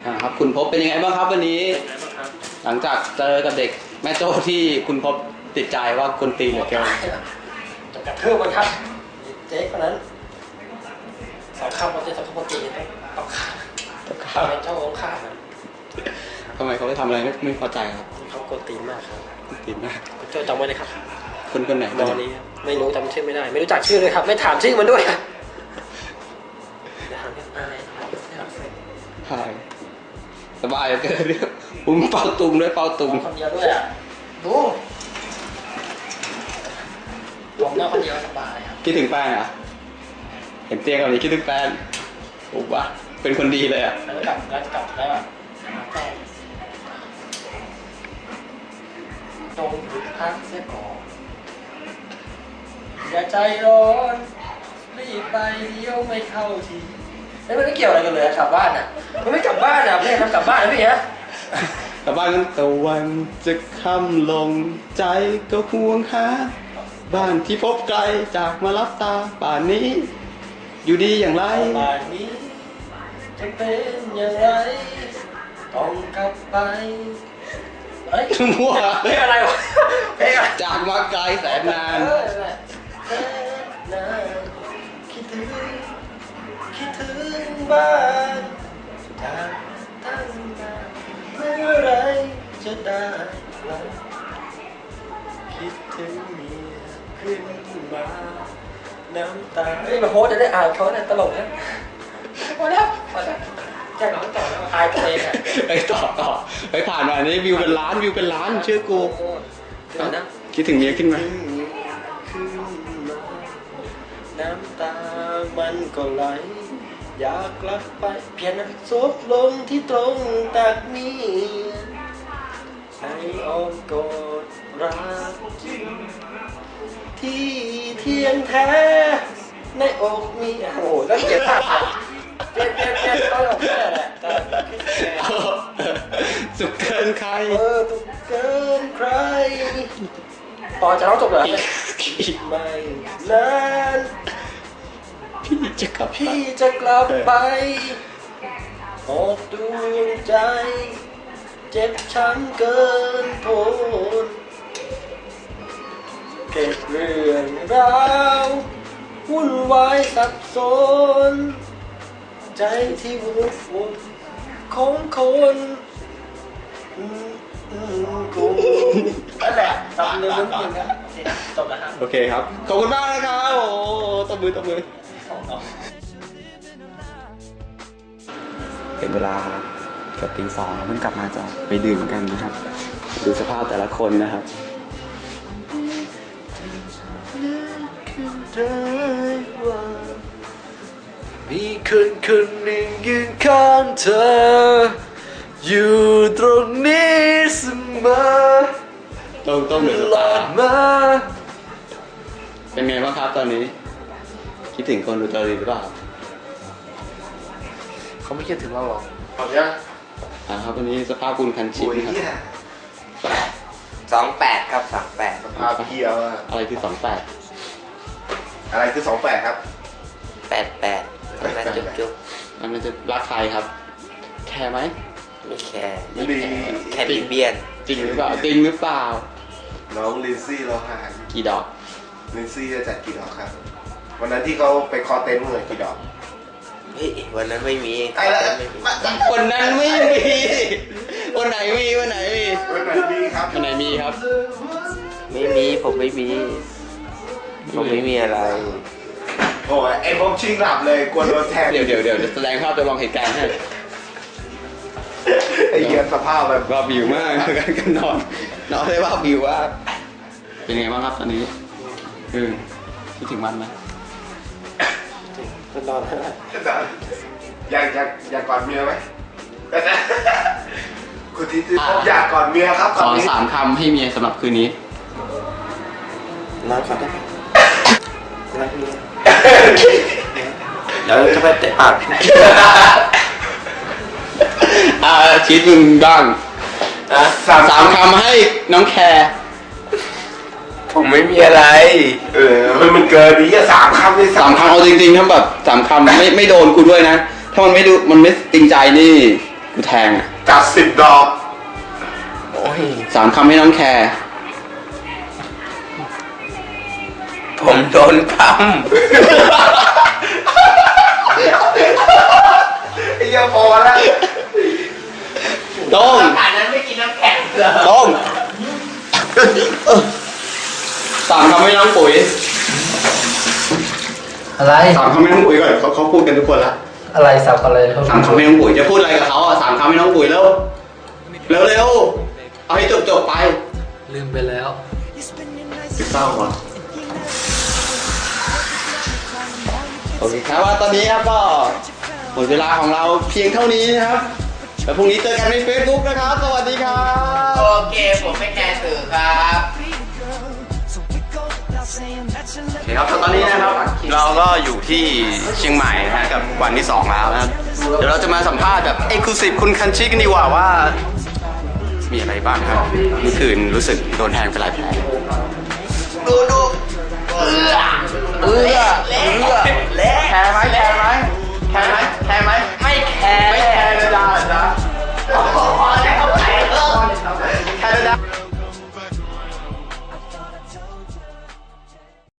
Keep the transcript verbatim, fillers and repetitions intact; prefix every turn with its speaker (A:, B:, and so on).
A: ครับคุณพบเป็นยังไงบ้างครับวันนี้หลังจากเจอกับเด็กแม่โจ้ที่คุณพบติดใจว่าคนตีเหลือเกิน
B: จะกระเทืบมันครับเจ๊คนนั้นสองคำเราจะสองคำปกติต้องขาดต้องขาดแม่โจ้ต้องขาดนะ
A: ทำไมเขาไปทำอะไรไม่ไม่พอใจครับ
B: เขากดตีมากครับ
A: ตีมาก
B: คุณโจ้จำไว้เลยครับ
A: คนคนไหน
B: ตอนนี้ไม่รู้จำชื่อไม่ได้ไม่รู้จักชื่อเลยครับไม่ถามชื่อมันด้วยครับ
A: ใช่สบายเกินเรื่องผมเป่าตุงด้วยเป่าตุง
B: คนเดียวด้วยอ่ะดูผมเนี่ยคนเดียวสบายครับ
A: คิดถึงแฟนอ่ะเห็นเตียงแบบนี้คิดถึงแฟนโอ้วะเป็นคนดีเลยอ่ะ
B: แล้วกลับแล้วกลับได้ป่ะแฟนตรงหยุดพักเสียก่อนอย่าใจร้อนรีบไปเดียวไม่เข้าทีแล้วมันไม่เกี่ยวอะไรกันเลยกลับบ้านอ่ะมันไม่กลับบ้านอ่ะไม่ทำกลับบ้านนะพี่ฮะ
A: กลับบ้านนั้นตะวันจะค่ำลงใจก็ห่วงหาบ้านที่พบไกลจากมารับตาป่านนี้อยู่ดีอย่างไร
B: ป่านนี้จะเป็นอย่างไรต้องกลับไปเฮ้ย
A: มั่ว
B: เพลงอะไรวะเพลงอะไร
A: จากมาไกลแสนนาน
B: คิดถึงคิดถึงบ้านจากตั้งนานเมื่อไรจะได้กลับคิดถึงเมียขึ้นมาน้ำตาเฮ้ยมาโฮสจะได้อ่านเขาเนี่ยตลกนะพอแล้วพอแล้วแจ้งน้องต่อแล้วอายตัวเองอ่ะ
A: ไปต่อต่อไปผ่านมานี้วิวเป็นล้านวิวเป็นล้านเชื่อกูคิดถึงเมียขึ้นมา
B: น้ำตามันก็ไหลอยากกลับไปเพียงนะซบลงที่ตรงตักเมียในอ้อมกอดรักจริงที่เทียงแท้ในอกมีโอ้โหแล้วเกลียดภาพเปลี่ยนเปลี่ยนเปลี่ยนตลกแค่แหละแต่
A: สุขเกินใคร
B: เออสุขเกินใครต่อจะร้องจบเหรอไม่นาน
A: พี่จะกลับ
B: พี่จะกลับไปหดดวงใจเจ็บช้ำเกินทนเก็บเรื่องราววุ่นวายสับสนใจที่วุ่นวุ่นของคนกูนั่นแหละตบมือมึงจริงครับจบแล้วครับ
A: โอเคครับขอบคุณมากนะครับโอ้ตบมือตบมือเป็นเวลาเกือบตีสองเพิ่งกลับมาจะไปดื่มกันนะครับดูสภาพแต่ละคนนะครับ
B: มีคนคนหนึ่งยืนข้างเธออยู่ตรงนี้เสมอ
A: ต้องต้องเหนือตา
B: มา
A: เป็นไงบ้างครับตอนนี้คิดถึงคนดูตอรีหรือเปล่า
B: เขาไม่คิดถึงเราหรอก
C: ขอบคุณ
A: อ่าครับวันนี้สภาพคุณคันชิป
C: นะครับสองแปดครับสองแปดสภาพเพียว
A: อะไรคือสองแปด
C: อะไรคือสองแปดครับ
B: แปดแปดนั่นจุ๊บจุ๊บ
A: อันนั้นจะรักใครครับแคร์ไหม
B: ไม่แคร์
C: ไม่ดี
B: แค่เบียน
A: จริงหรือเปล่าจริงหรือเปล่า
C: น้องลินซี่เราหา
A: กี่ดอก
C: ลินซี่จะจัดกี่ดอกครับวันนั้นที่เขาไปคอเต็นท์เมื่อกี่ดอก
B: เฮ้ยวันนั้นไม่มี
A: วันนั้นไม่มีวันไหนมีวันไหนมี
C: วันไหนมีครับ
A: วันไหนมีครับ
B: ไม่มีผมไม่มีผมไม่มีอะไร
C: โอ้ยไอ้พวกชิงหลับเลยกลัวโดนแทง
A: เดี๋ยวเดี๋ยวเดี๋ยวแสดงภาพจำลองเหตุการณ์ให้
C: ไอ้เหี้ยสภาพแบบ
A: ว่าวิวมากกันกันนอนนอนได้ว่าวิวว่าเป็นไงบ้างครับตอนนี้เออคิดถึงมันไหม
B: ก็นอน
C: อยากอยากอยากกอดเมียไหมคุณที่อยากกอดเมียครับ
A: ขอสามคำให้เมียสำหรับคืนนี้
B: นอนก่อนได้ไหมรักเมียเดี๋ยวจะไปเตะปาก
A: อ่าชีดมึงบ้างสามสามคำให้น้องแคร์
B: ผมไม่มีอะไร
C: เออมันเกินนี้จะสามคำเลย
A: สามคำเอาจริงๆถ้าแบบสามคำไม่ไม่โดนกูด้วยนะถ้ามันไม่ดูมันไม่จริงใจนี่กูแทงอะ
C: จัดสิบดอก
B: โอ้ย
A: สามคำให้น้องแคร์
B: ผมโดนค
C: ไอ้เหี้ยพอแล้ว
A: โต้ง
B: ำขนาดนั้นไม่กินน้ำแข็งเหรอ
A: โต้งสามคำให้น้องปุ๋ย
B: อะไร
A: สามคำให้น้องปุ๋ยก่อนเขาเขาพูดกันทุกคนละ
B: อะไรสับอะไรเขา
A: สามคำให้น้องปุ๋ยจะพูดอะไรกับเขาอ่ะสามคำให้น้องปุ๋ยเร็วเร็วเร็วเอาให้จบจบไป
B: ลืมไปแล้ว
A: สิบเศร้าว่ะโอเคครับว่าตอนนี้ครับก็หมดเวลาของเราเพียงเท่านี้นะครับแล้วพรุ่งนี้เจอกันใน Facebook นะครับ สวัสดีครับ
B: โอเค ผมไม่แคร์สื่อครับ
A: โอเคครับตอนนี้นะครับเราก็อยู่ที่เชียงใหม่นะฮะกับวันที่สองแล้วนะครับเดี๋ยวเราจะมาสัมภาษณ์แบบเอ็กซ์คลูซีฟคุณคันชิกันดีกว่าว่า มีอะไรบ้างครับเมื่อคืนรู้สึกโดนแทงไปหลายแผล
B: ดูดูเออ
A: เออเออแผลไหม